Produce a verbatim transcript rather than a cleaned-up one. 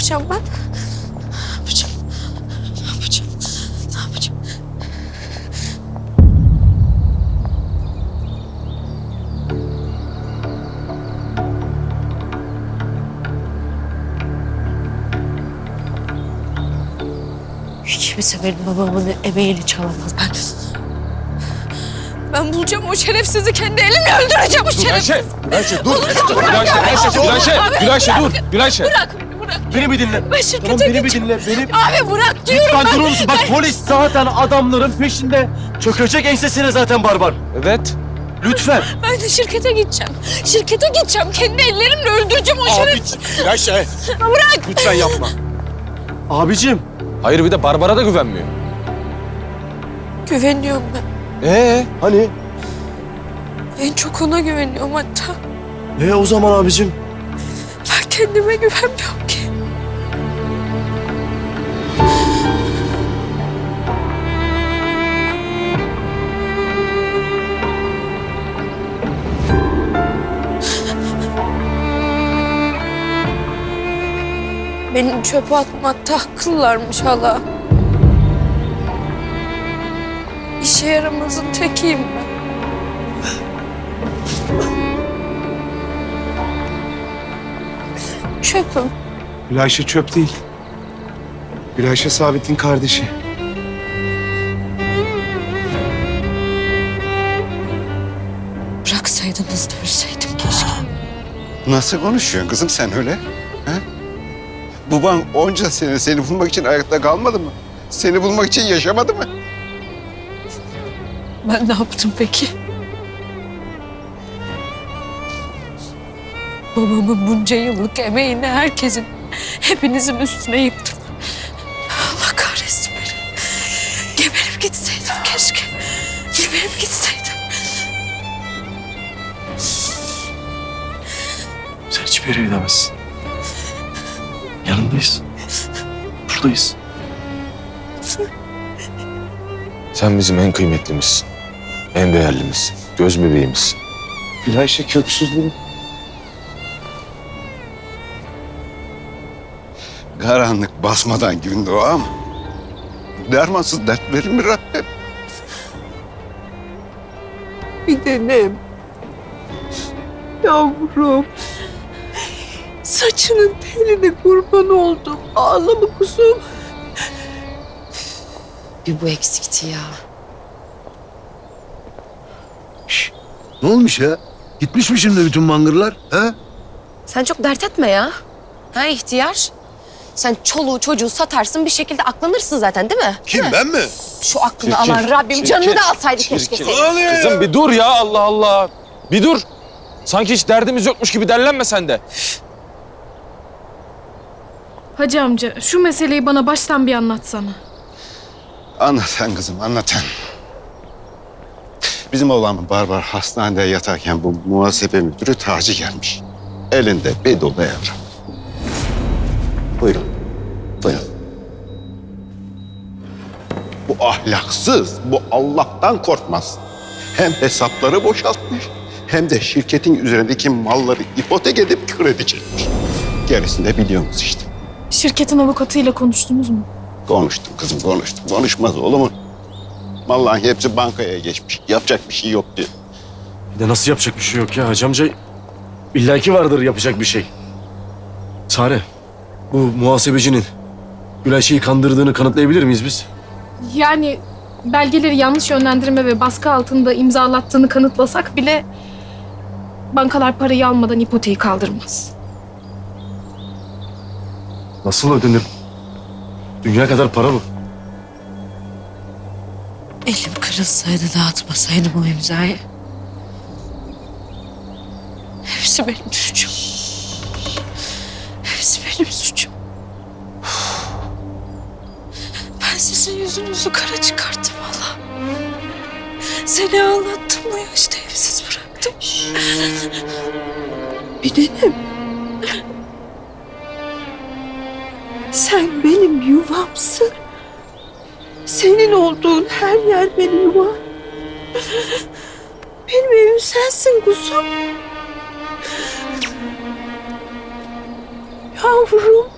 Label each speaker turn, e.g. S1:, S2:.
S1: yapacağım ben? Ne yapacağım? Ne yapacağım? Ne yapacağım? Kimse benim babamın emeğini çalamaz. Ben... Ben bulacağım o şerefsizi, kendi elimle öldüreceğim o şerefsizi.
S2: Gülayşe, dur. Gülayşe, Gülayşe, Gülayşe, Gülayşe dur. Gülayşe.
S1: Bırak beni, bırak.
S3: Beni bir dinle.
S1: Ben şirkete
S3: Tamam, beni bir
S1: gideceğim.
S3: dinle. Beni...
S1: Abi bırak diyorum
S3: Lütfen
S1: ben.
S3: durur musun? Bak polis zaten adamların peşinde. Çökecek ensesine zaten barbar.
S2: Evet.
S3: Lütfen.
S1: Ben de şirkete gideceğim. Şirkete gideceğim. Kendi ellerimle öldüreceğim o şerefsizi.
S2: Gülayşe.
S1: Bırak.
S2: Lütfen yapma.
S3: Abicim.
S2: Hayır bir de Barbar'a da güvenmiyor.
S1: Güveniyorum ben.
S2: Ee?
S3: Hani?
S1: En çok ona güveniyorum hatta.
S3: E o zaman abicim.
S1: Ben kendime güvenmiyorum ki. Benim çöpe atmakta haklılarmış hala. İşe yaramazın tekiyim ben. Çöpüm.
S4: Gülayşe çöp değil. Gülayşe Sabit'in kardeşi.
S1: Bıraksaydınız da ölseydim keşke.
S5: Nasıl konuşuyorsun kızım sen öyle? He? Baban onca sene seni bulmak için ayakta kalmadı mı? Seni bulmak için yaşamadı mı?
S1: Ben ne yaptım peki? Babamın bunca yıllık emeğini herkesin, hepinizin üstüne yıktım. Allah kahretsin beni. Geberip gitseydim keşke. Geberip gitseydim.
S3: Sen hiçbir yere gidemezsin. Yanındayız. Buradayız.
S2: Sen bizim en kıymetlimizsin. En değerlimizsin. Göz bebeğimizsin.
S4: Gülayşe köksüz değil.
S5: Karanlık basmadan gün doğar mı? Dermansız dert verir mi Rabbim?
S6: Bir tanem. Yavrum. Saçının teline kurban oldum. Ağlama kuzum.
S7: Bir bu eksikti ya.
S8: Ne olmuş ya? Gitmiş mi şimdi bütün mangırlar? Ha?
S7: Sen çok dert etme ya. Ha ihtiyar? Sen çoluğu çocuğu satarsın bir şekilde aklanırsın zaten değil mi?
S8: Kim, ben mi?
S7: Şu aklını
S2: Çirkin,
S7: alan Rabbim
S2: çirkin,
S7: canını da alsaydı
S2: çirkin.
S7: keşke
S8: Ne
S7: senin.
S8: oluyor
S2: Kızım bir dur ya Allah Allah. Bir dur. Sanki hiç derdimiz yokmuş gibi derlenme sen de.
S9: Hacı amca şu meseleyi bana baştan bir anlatsana.
S5: Anlatan kızım anlatan. Bizim oğlanın Barbar hastanede yatarken bu muhasebe müdürü Taci gelmiş. Elinde bir dolu evrak. Buyurun. Buyurun. Bu ahlaksız, bu Allah'tan korkmaz. Hem hesapları boşaltmış, hem de şirketin üzerindeki malları ipotek edip kredi çekmiş. Gerisini de biliyorsunuz işte.
S9: Şirketin avukatıyla konuştunuz mu?
S5: Konuştum kızım, konuştum. Konuşmaz olur mu? Vallahi hepsi bankaya geçmiş. Yapacak bir şey yok diyor.
S3: Bir de nasıl yapacak bir şey yok ya Hacı amca? İlla ki vardır yapacak bir şey. Sare, bu muhasebecinin Gülayşe'yi kandırdığını kanıtlayabilir miyiz biz?
S9: Yani belgeleri yanlış yönlendirme ve baskı altında imzalattığını kanıtlasak bile bankalar parayı almadan ipoteği kaldırmaz.
S3: Nasıl ödenir? Dünya kadar para bu.
S1: Elim kırılsaydı dağıtmasaydım o imzayı. Hepsi benim suçum. Hepsi benim suçum. Ben sizin yüzünüzü kara çıkarttım valla. Seni ağlattım, bu yaşta evsiz bıraktım.
S6: Bir tanem. Sen benim yuvamsın. Senin olduğun her yer benim yuvam. Benim evim sensin kuzum. Yavrum.